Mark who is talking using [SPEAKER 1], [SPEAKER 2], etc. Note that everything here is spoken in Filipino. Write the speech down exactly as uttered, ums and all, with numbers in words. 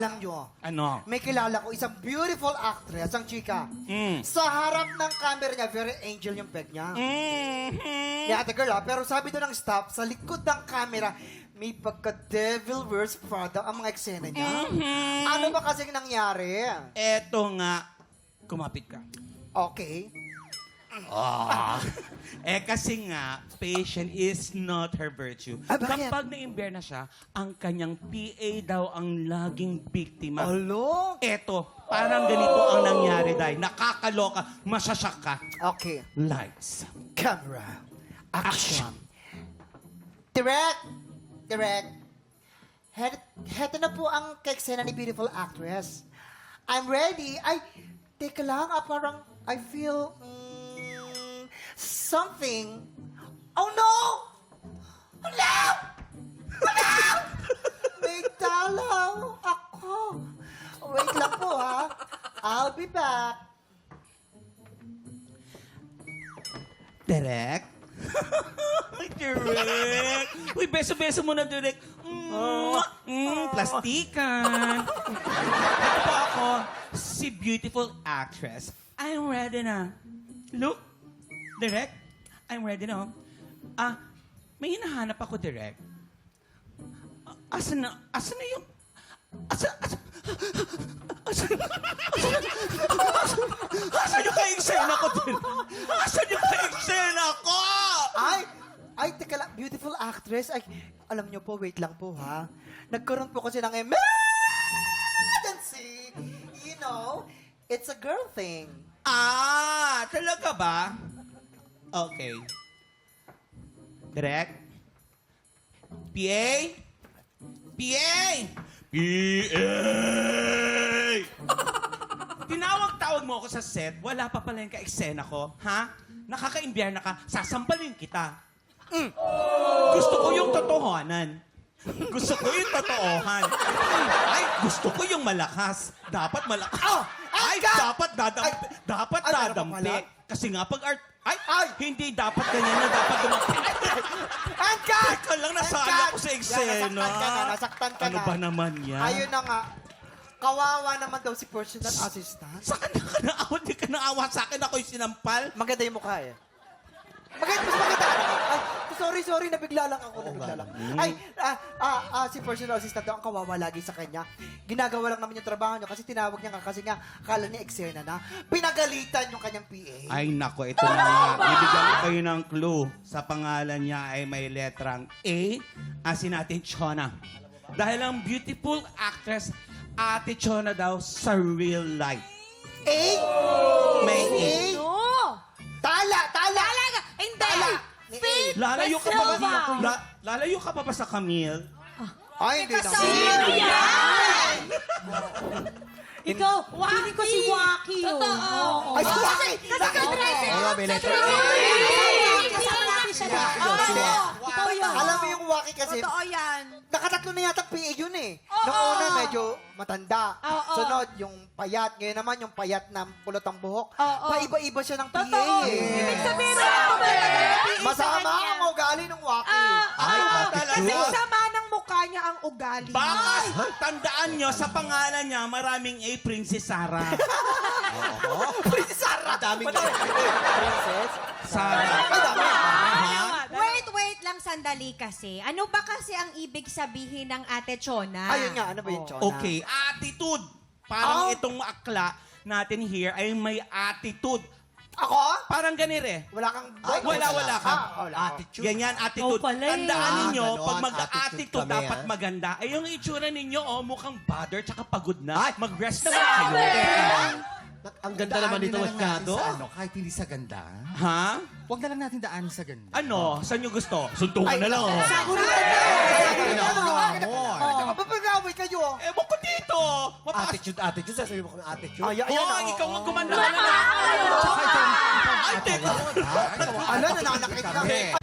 [SPEAKER 1] Alam nyo,
[SPEAKER 2] Ano?
[SPEAKER 1] may kilala ko isang beautiful actress, ang chika.
[SPEAKER 2] Mm.
[SPEAKER 1] Sa harap ng camera niya, very angel yung peg niya.
[SPEAKER 2] Mm-hmm.
[SPEAKER 1] Ni ate girl, ah, pero sabi doon ng staff, sa likod ng camera, may pagka-devil wears Prada ang mga eksena niya.
[SPEAKER 2] Mhm.
[SPEAKER 1] Ano ba kasing nangyari?
[SPEAKER 2] Eto nga, kumapit ka.
[SPEAKER 1] Okay.
[SPEAKER 2] Ah. eh kasi nga, patient is not her virtue.
[SPEAKER 1] Ah, bakit?
[SPEAKER 2] Kapag na-imber na siya, ang kanyang P A daw ang laging biktima.
[SPEAKER 1] Alo?
[SPEAKER 2] Eto, parang ganito ang nangyari dahil nakakaloka, masasyak ka.
[SPEAKER 1] Okay.
[SPEAKER 2] Lights.
[SPEAKER 1] Camera. Action. Direct. Direct. Het, heto na po ang keksena ni beautiful actress. I'm ready. Ay, teka lang. Ah, parang I feel mm, something. Oh no! Hello! Hello! May dalaw ako. Wait lang po ha. I'll be back.
[SPEAKER 2] Direct? Direct! Uy, beso-beso mo na, Direct. Mm, mm, plastikan. Ito po ako, si beautiful actress. I'm ready na. Look, Direct, I'm ready na. Ah, may hinahanap ako, Direct. Ah, Asan na, asan na yung... Asan, asan, asan, asan, asan yung ka-eksena ko, Direct? Asan yung ka-eksena ko?
[SPEAKER 1] Ay! Ay, teka lang. Beautiful actress. Ay, alam niyo po, wait lang po ha. Nagkaroon po kasi ng emergency. You know, it's a girl thing.
[SPEAKER 2] Ah, talaga ba? Okay. Direct? P A? P A? P A! Tinawag-tawag mo ako sa set, wala pa pala yung ka-eksena ko, ha? Nakaka-imbyer na ka, sasampalin kita. Mm. Gusto ko yung totohanan. Gusto ko yung totoohan. Ay, gusto ko yung malakas. Dapat malakas.
[SPEAKER 1] Oh!
[SPEAKER 2] Ay,
[SPEAKER 1] Angkat!
[SPEAKER 2] dapat dadampi.
[SPEAKER 1] Ay!
[SPEAKER 2] Dapat
[SPEAKER 1] Ay, ano ba
[SPEAKER 2] dadampi.
[SPEAKER 1] pala?
[SPEAKER 2] Kasi nga pag art... Ay,
[SPEAKER 1] Ay!
[SPEAKER 2] hindi dapat ganyan na dapat dumampi.
[SPEAKER 1] Angkat!
[SPEAKER 2] Teka lang, nasala
[SPEAKER 1] Angkat!
[SPEAKER 2] ko sa
[SPEAKER 1] Yan,
[SPEAKER 2] eksena.
[SPEAKER 1] nasaktan ka na, nasaktan ka
[SPEAKER 2] Ano
[SPEAKER 1] na.
[SPEAKER 2] ba naman yan?
[SPEAKER 1] Ayun na nga. Kawawa naman daw si personal assistant.
[SPEAKER 2] Sa kanya ka naawa, di ka naawa sa akin. Ako'y sinampal.
[SPEAKER 1] Maganda yung mukha eh. Maganda, mas maganda ka naman. Ay, sorry, sorry, nabigla lang ako, nabigla lang. Ay, ah, ah, ah, si personal assistant daw ang kawawa lagi sa kanya. Ginagawa lang naman yung trabaho niya kasi tinawag niya nga kasi nga akala niya eksena na. Pinagalitan yung kanyang P A.
[SPEAKER 2] Ay, nako, ito na nga. Bibigyan ko kayo ng clue. Sa pangalan niya ay may letrang A, asin natin Chona. Dahil ang beautiful actress, Ate Chona daw sa real life.
[SPEAKER 1] A?
[SPEAKER 2] May A.
[SPEAKER 1] A?
[SPEAKER 3] No!
[SPEAKER 1] Tala, tala!
[SPEAKER 3] Talaga! Hindi!
[SPEAKER 1] Tala! Ni A.
[SPEAKER 3] Faith
[SPEAKER 2] Lalayo ka pa ba?
[SPEAKER 3] Basilva.
[SPEAKER 2] La, lalayo ka pa ba sa Camille?
[SPEAKER 1] Ay, hindi na.
[SPEAKER 3] Sino yan? Ikaw,
[SPEAKER 4] Waki.
[SPEAKER 3] feeling ko si Waki. yun.
[SPEAKER 4] Totoo.
[SPEAKER 3] Oo.
[SPEAKER 1] Ay, si Waki!
[SPEAKER 3] Kasi sa dress.
[SPEAKER 4] Oo, may letter.
[SPEAKER 3] Kasama natin siya lahat.
[SPEAKER 4] Ikaw yun.
[SPEAKER 1] Alam mo yung Waki kasi,
[SPEAKER 4] Totoo yan.
[SPEAKER 1] nakatatlo na yata P A yun eh.
[SPEAKER 4] Oo.
[SPEAKER 1] Nung una medyo matanda.
[SPEAKER 4] Oo.
[SPEAKER 1] Sunod, yung payat. Ngayon naman, yung payat na pulot ang buhok.
[SPEAKER 4] Oo.
[SPEAKER 1] Paiba-iba siya ng P A
[SPEAKER 4] Totoo.
[SPEAKER 1] eh.
[SPEAKER 4] Ibig sabihin na ako talaga.
[SPEAKER 1] Masama ang ugali ng Waki.
[SPEAKER 2] Ay,
[SPEAKER 4] Ah,
[SPEAKER 2] talaga.
[SPEAKER 4] Kasi sama ng mukha niya ang ugali.
[SPEAKER 2] Baka tandaan nyo, sa pangalan niya, maraming A, Princess Sarah.
[SPEAKER 1] Princess Sarah. Daming Princess?
[SPEAKER 2] Sarah.
[SPEAKER 1] Ay, dami.
[SPEAKER 5] Wait, wait lang sandali kasi. Ano ba kasi ang ibig sabihin ng Ate Chona?
[SPEAKER 1] Ayun nga, ano ba yung Chona?
[SPEAKER 2] Okay, attitude. Parang
[SPEAKER 1] Oh.
[SPEAKER 2] itong akla natin here ay may attitude.
[SPEAKER 1] Ako?
[SPEAKER 2] Parang ganito eh.
[SPEAKER 1] Wala kang...
[SPEAKER 2] Wala, wala ka.
[SPEAKER 1] Ah, wala ako.
[SPEAKER 6] Attitude.
[SPEAKER 2] Ganyan, attitude.
[SPEAKER 3] Oh, pala eh.
[SPEAKER 2] Tandaan
[SPEAKER 6] Ah,
[SPEAKER 2] ninyo,
[SPEAKER 6] ganon,
[SPEAKER 2] pag
[SPEAKER 6] attitude
[SPEAKER 2] mag-attitude,
[SPEAKER 6] kami,
[SPEAKER 2] dapat
[SPEAKER 6] ah.
[SPEAKER 2] maganda. Ay, yung itsura ninyo, oh, mukhang bothered tsaka pagod na.
[SPEAKER 6] Ay!
[SPEAKER 2] Mag-rest naman kayo.
[SPEAKER 6] Ang ganda naman nito,
[SPEAKER 7] Daanin na lang natin
[SPEAKER 6] Masyado.
[SPEAKER 7] sa ano, kahit hindi sa ganda.
[SPEAKER 2] Ha?
[SPEAKER 7] Huwag na lang natin daan sa ganda.
[SPEAKER 2] Ano? Saan nyo gusto? Suntukan na lang, oh.
[SPEAKER 1] Ano? Papagaway kayo.
[SPEAKER 2] Ewan ko dito. Mapas-
[SPEAKER 6] Attitude, attitude. Sasabihin mo kung attitude.
[SPEAKER 1] Ay, ayan,
[SPEAKER 2] Oh,
[SPEAKER 1] oh.
[SPEAKER 2] ikaw ang gumanda ka na.
[SPEAKER 6] Tsaka ito,
[SPEAKER 2] Ay, teka.
[SPEAKER 1] Ano, nananakit kami.